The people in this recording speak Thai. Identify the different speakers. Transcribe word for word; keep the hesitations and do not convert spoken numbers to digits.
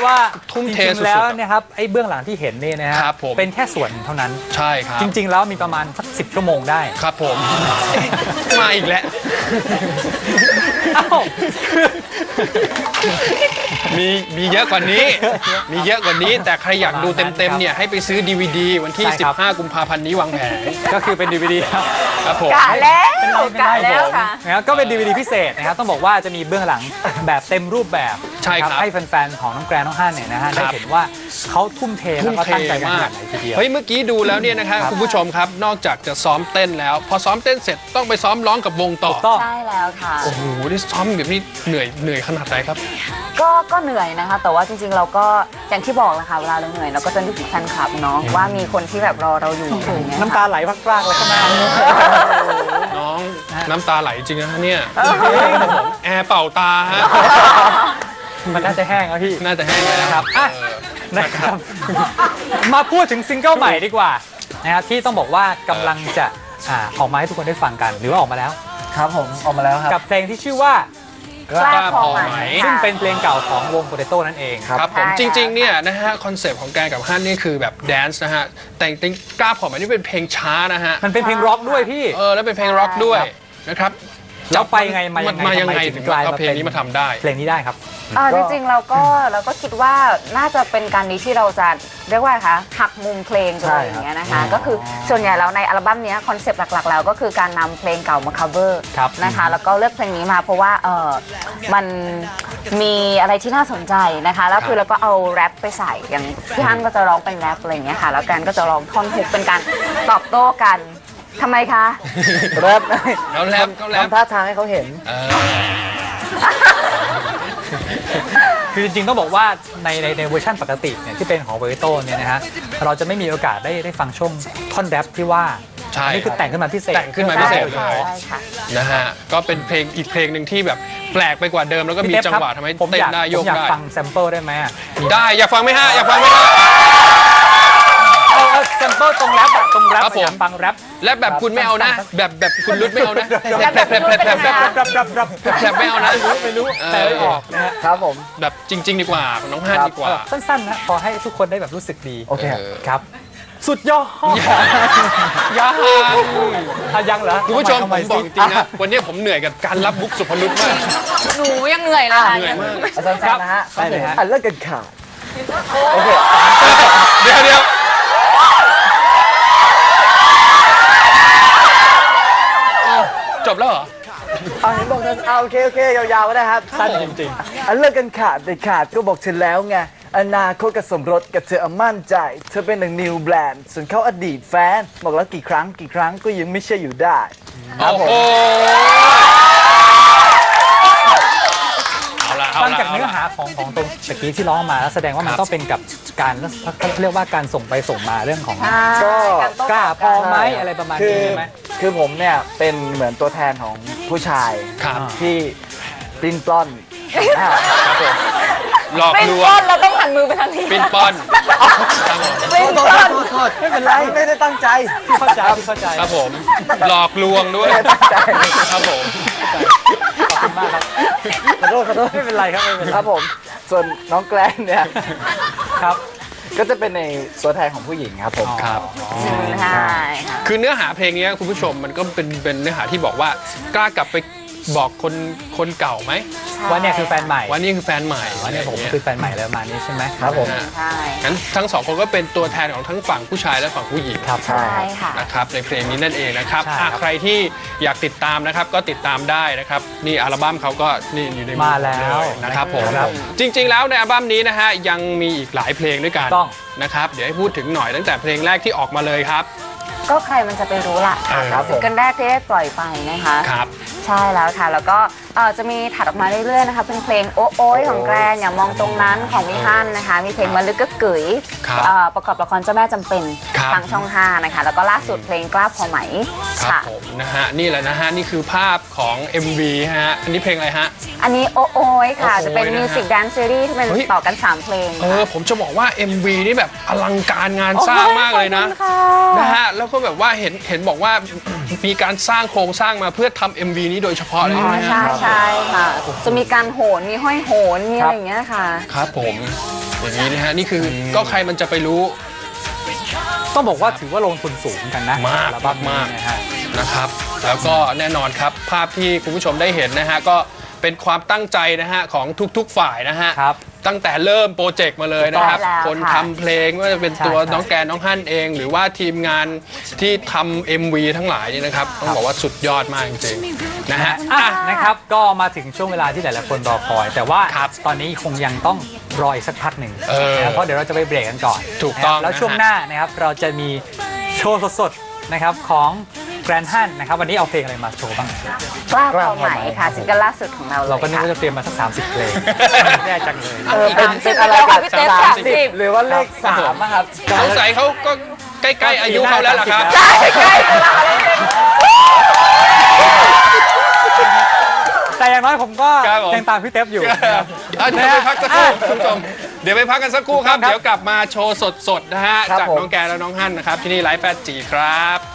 Speaker 1: ว่า
Speaker 2: ทุ่มเท
Speaker 1: จริงๆแล้วนะครับไอ้เบื้องหลังที่เห็นนี่นะฮะเป็นแค่ส่วนเท่านั้น
Speaker 2: ใช่ครับ
Speaker 1: จริงๆแล้วมีประมาณสักสิบชั่วโมงได้
Speaker 2: ครับผมมาอีกแล้วมีมีเยอะกว่านี้มีเยอะกว่านี้แต่ใครอยากดูเต็มๆเนี่ยให้ไปซื้อ ดี วี ดี วันที่สิบห้ากุมภาพันธ์นี้วางแผน
Speaker 1: ก็คือเป็น ดี วี ดี ครับ
Speaker 2: ครับผม
Speaker 3: กะแล้วกะแล้วค่ะ
Speaker 1: นะครับก็เป็น ดี วี ดี พิเศษนะครับต้องบอกว่าจะมีเบื้องหลังแบบเต็มรูปแบบ
Speaker 2: ใช่ครับ
Speaker 1: ให้แฟนๆของน้องแกรนน้องฮั่นเนี่ยนะฮะได้เห็นว่าเขาทุ่มเทแล้วก็ตั้งใจกันขนาดไหนทีเดียว
Speaker 2: เฮ้ยเมื่อกี้ดูแล้วเนี่ยนะครับคุณผู้ชมครับนอกจากจะซ้อมเต้นแล้วพอซ้อมเต้นเสร็จต้องไปซ้อมร้องกับวงต่อ
Speaker 3: ใช่แล้วค่ะ
Speaker 2: โอ้โหนี่ซ้อมแบบนี้เหนื่อยเหนื่อยขนาดไหนครับ
Speaker 3: ก็ก็เหนื่อยนะคะแต่ว่าจริงๆเราก็อย่างที่บอกแหละค่ะเวลาเราเหนื่อยเราก็จะนึกถึงแฟนคลับเนาะว่ามีคนที่แบบรอเราอยู่
Speaker 1: น้ำตาไหลพรากๆเลยข้างหน้า
Speaker 2: น้องน้ำตาไหลจริงนะเนี่ยแอร์เป่าตาฮะ
Speaker 1: มันน่าจะแห้งแล้วพี่
Speaker 2: น่าจะแห้งแล้ว
Speaker 1: ครับอ่ะนะครับมาพูดถึงซิงเกิลใหม่ดีกว่านะครับที่ต้องบอกว่ากำลังจะออกมาให้ทุกคนได้ฟังกันหรือว่าออกมาแล้ว
Speaker 4: ครับผมออกมาแล้วครับ
Speaker 1: กับเพลงที่ชื่อว่าก
Speaker 3: ล้าพอไหม
Speaker 1: ซึ่งเป็นเพลงเก่าของวงโปเตโต้นั่นเอง
Speaker 2: ครับผมจริงๆเนี่ยนะฮะคอนเซปต์ของแกกับฮั่นนี่คือแบบแดนซ์นะฮะแต่จริงๆกล้าพอไหมนี่เป็นเพลงช้านะฮะ
Speaker 1: มันเป็นเพลงร็อกด้วยพี่
Speaker 2: เออแล้วเป็นเพลงร็อกด้วยนะครับ
Speaker 1: แล้วไปไงมายังไง
Speaker 2: มายังไงถึงเอาเพลงนี้มาทำได้
Speaker 1: เพลงนี้ได้ครับ
Speaker 3: จริงๆเราก็เราก็คิดว่าน่าจะเป็นการนี้ที่เราจะเรียกว่าคะหักมุมเพลงอะไรอย่างเงี้ยนะคะก็คือส่วนใหญ่แล้วในอัลบั้มนี้คอนเซปต์หลักๆแล้วก็คือการนำเพลงเก่ามา cover นะคะแล้วก็เลือกเพลงนี้มาเพราะว่าเออมันมีอะไรที่น่าสนใจนะคะแล้วคือเราก็เอาแรปไปใส่อย่างพี่ฮั่นก็จะร้องเป็นแรปอะไรอย่างเงี้ยค่ะแล้วกันก็จะร้องท่อนฮุกเป็นการตอบโต้กันทำไมคะ
Speaker 4: แรป
Speaker 2: แล้วแรปก็แรป
Speaker 4: ทำท่าทางให้เขาเห็น
Speaker 1: คือจริงๆต้องบอกว่าในในในเวอร์ชันปกติเนี่ยที่เป็นของโปเตโต้เนี่ยนะฮะเราจะไม่มีโอกาสได้ได้ฟังช่วงท่อนแรปที่ว่า
Speaker 2: ใช่
Speaker 1: นี่คือแต่งขึ้นมาพิเศษ
Speaker 2: แต่งขึ้นมาพิเศษเลยนะฮะก็เป็นเพลงอีกเพลงหนึ่งที่แบบแปลกไปกว่าเดิมแล้วก็มีจังหวะทำให้เต้นได้โยกได้
Speaker 1: ผมอยากฟังแซมเปิลได้ไหม
Speaker 2: ได้อยากฟังไหมฮะอยากฟังไหมฮะ
Speaker 1: เอาแซมเปิลตรงแรปตรงแรปอยากฟังแรป
Speaker 2: แรปแบบคุณไม่เอานะแบบแบบคุณรุดไม่เอานะแผลบแผลบแผลบแผลบแผลบแผลบแผลบไม่เอานะ
Speaker 1: ไม่รู้แต่ไม่ออกนะฮะ
Speaker 4: ครับผม
Speaker 2: แบบจริงๆดีกว่าน้องฮั่นดีกว่า
Speaker 1: สั้นๆนะพอให้ทุกคนได้แบบรู้สึกดี
Speaker 4: โอเค
Speaker 1: ครับสุดยอด
Speaker 2: ยัง
Speaker 1: ยังเหรอ
Speaker 2: คุณผู้ชมผมบอกจริงนะวันนี้ผมเหนื่อยกับการรับบุ๊กสุพรุตมาก
Speaker 3: หนูยังเหนื่อยเลย
Speaker 2: เหนื่อยมาก
Speaker 4: สั้นๆนะฮะ
Speaker 1: ได้เลยฮะ
Speaker 4: อ่ะเลิกกันขาดโอเค
Speaker 2: เดี๋ยวเดี๋ยวจบแล้วเหรอ
Speaker 4: เอาเห็นบอกนั้นเอาโอเคโอเคยาวๆก็ได้ครับ
Speaker 1: สั้นจริง
Speaker 4: ๆอันเลิกกันขาดแต่ขาดก็บอกเธอแล้วไงอนาคตกับสมรสกับเธอมั่นใจเธอเป็นหนึ่งนิวแบรนด์ส่วนเขาอดีตแฟนบอกแล้วกี่ครั้งกี่ครั้งก็ยังไม่เชื่ออยู่ได้
Speaker 2: ครับผม
Speaker 1: ฟังจากเนื้อหาของของตรงตะกี้ที่ร้องมาแล้วแสดงว่ามันต้องเป็นกับการเรียกว่าการส่งไปส่งมาเรื่องของ
Speaker 4: ก็
Speaker 1: กล้าพอไหมอะไรประมาณนี้ใช่ไหม
Speaker 4: คือผมเนี่ยเป็นเหมือนตัวแทนของผู้ชายที่ปลิ้นปล้อน
Speaker 2: หลอกลวง
Speaker 3: เราต้องหันมือไปทางนี้
Speaker 2: ปลิ้นปล้อน
Speaker 4: ปลิ้นปล้อนไม่เป็นไรไม่ได้ตั้งใจ
Speaker 1: เข้าใจเข้าใจ
Speaker 2: ครับผมหลอกลวงด้วยครับผม
Speaker 1: ขอบคุณมากครับ
Speaker 4: ขอโทษขอโทษ
Speaker 1: ไม่เป็นไรครับไม่เป็นไร
Speaker 4: ครับผมส่วนน้องแกลนเนี่ย
Speaker 1: ครับ
Speaker 4: ก็จะเป็นในตัวแทนของผู้หญิงครับผม
Speaker 2: ครับ
Speaker 3: ใช่
Speaker 2: คือเนื้อหาเพลงนี้คุณผู้ชมมันก็เป็นเป็นเนื้อหาที่บอกว่ากล้ากลับไปบอกคนคนเก่าไหม
Speaker 1: ว่าเนี่ยคือแฟนใหม่
Speaker 2: ว่านี่คือแฟนใหม่
Speaker 1: ว่าเนี่ยผมคือแฟนใหม่แล้วมานี้ใช่ไหม
Speaker 4: ครับผม
Speaker 3: ใช่
Speaker 2: งั้นทั้งสองคนก็เป็นตัวแทนของทั้งฝั่งผู้ชายและฝั่งผู้หญิง
Speaker 1: ครับ
Speaker 3: ใช่ค่ะ
Speaker 2: นะครับในเพลงนี้นั่นเองนะครับใครที่อยากติดตามนะครับก็ติดตามได้นะครับนี่อัลบั้มเขาก็นี่อยู่ในมือ
Speaker 1: มาแล้ว
Speaker 2: นะครับผมจริงๆแล้วในอัลบั้มนี้นะฮะยังมีอีกหลายเพลงด้วยกันนะครับเดี๋ยวให้พูดถึงหน่อยตั้งแต่เพลงแรกที่ออกมาเลยครับ
Speaker 3: ก็ใครมันจะไปรู้ล่ะซิงเกิลแรกที่ได้ปล่อยไปนะคะ
Speaker 2: ครับ
Speaker 3: ใช่แล้วค่ะแล้วก็จะมีถัดออกมาเรื่อยๆนะคะเป็นเพลงโอ๊โอ๊ยของแกรนอย่ามองตรงนั้นของพี่ฮั่นนะคะมีเพลงมะลึกกะกึ๋ยประกอบละครเจ้าแม่จำเป็นทางช่องห้านะคะแล้วก็ล่าสุดเพลงกล้าพอไหม
Speaker 2: ครับผมนะฮะนี่แหละนะฮะนี่คือภาพของ เอ็ม วี ฮะอันนี้เพลงอะไรฮะ
Speaker 3: อันนี้โอ๊โอ๊ยค่ะจะเป็นมิวสิกแดนซ์ซีรีส์ที่เป็นต่อกันสามเพลง
Speaker 2: เออผมจะบอกว่า เอ็ม วี นี่แบบอลังการงานสร้างมากเลยนะนะฮะแล้วก็แบบว่าเห็นเห็นบอกว่ามีการสร้างโครงสร้างมาเพื่อทำ เอ็ม วี นี้นี้โดยเฉพาะเลย
Speaker 3: อ๋อ
Speaker 2: ใช่ไหม
Speaker 3: ใช่
Speaker 2: ฮะ
Speaker 3: ใช่ค่ะ จะมีการโหนมีห้อยโหนมีอะไรอย่างเงี้ยค่ะ
Speaker 2: ครับผมอย่างนี้นะฮะนี่คือก็ใครมันจะไปรู้
Speaker 1: ต้องบอกว่าถือว่าลงทุนสูงเหมือนกันนะ
Speaker 2: มาก
Speaker 1: อัลบั้มนี้
Speaker 2: มาก
Speaker 1: นะฮะ
Speaker 2: นะครับแล้วก็แน่นอนครับภาพที่คุณผู้ชมได้เห็นนะฮะก็เป็นความตั้งใจนะฮะของทุกๆฝ่ายนะฮะ
Speaker 1: ครับ
Speaker 2: ตั้งแต่เริ่มโปรเจกต์มาเลยนะครับ
Speaker 3: ถูกต้องแล้ว
Speaker 2: คน
Speaker 3: ค่ะ
Speaker 2: ทำเพลงไม่ว่าจะเป็นตัว
Speaker 1: ใช่
Speaker 2: น้องแกนน้องฮั่นเอง หรือว่าทีมงานที่ทำ เอ็ม วี ทั้งหลายนี่นะครับต้องบอกว่าสุดยอดมากจริงๆนะฮะ
Speaker 1: อ่ะ
Speaker 2: อ่ะ
Speaker 1: นะครับก็มาถึงช่วงเวลาที่หลายๆคนรอคอย แต่ว่า
Speaker 2: ครับ
Speaker 1: ตอนนี้คงยังต้องรออีกสักพักหนึ่ง
Speaker 2: เออ
Speaker 1: นะครับเพราะเดี๋ยวเราจะไปเบรกกันก่อน
Speaker 2: ถูกต้อง
Speaker 1: นะครับแล้ว
Speaker 2: นะฮะ
Speaker 1: ช่วงหน้านะครับเราจะมีโชว์สดๆนะครับของแกรนด์ฮันนะครับวันนี้เอาเพลงอะไรมาโชว์บ้าง
Speaker 3: กล้าความหมายค่ะซิงเกิลล่าสุดของเราเลย
Speaker 1: เราก็นึก
Speaker 3: ค่ะ
Speaker 1: ว่าจะเตรียมมาสักสามสิบเพลงแย่จังเลย
Speaker 4: เออเป็น
Speaker 3: สามสิบ
Speaker 4: เป็นอะไร
Speaker 3: แล้ว
Speaker 4: กั
Speaker 3: ค่ะ
Speaker 4: บ
Speaker 3: พี่เต้
Speaker 4: สาม
Speaker 3: สาม
Speaker 4: สิ
Speaker 3: สิ
Speaker 4: บบ หรือว่าเลขสามอะครับ
Speaker 2: สงสัยเขาก็ใกล้ๆอายุเขาแล้วล่ะครับ
Speaker 3: ใช่ใกล้เวลาเลย
Speaker 1: แต่อย่างน้อยผมก็
Speaker 2: ครับผม
Speaker 1: ยังตามพี่เต๊บอยู่นะครับ
Speaker 2: อ่ะเดี๋ยวไปพักสักครู่คุณผู้ชมเดี๋ยวไปพักกันสักครู่ครับ
Speaker 1: ครับ
Speaker 2: เดี๋ยวกลับมาโชว์สดๆนะฮะ
Speaker 4: ครับ
Speaker 2: จาก
Speaker 4: ผม
Speaker 2: น้องแกนและน้องฮั่นนะครับที่นี่ไลฟ์แปดจีครับ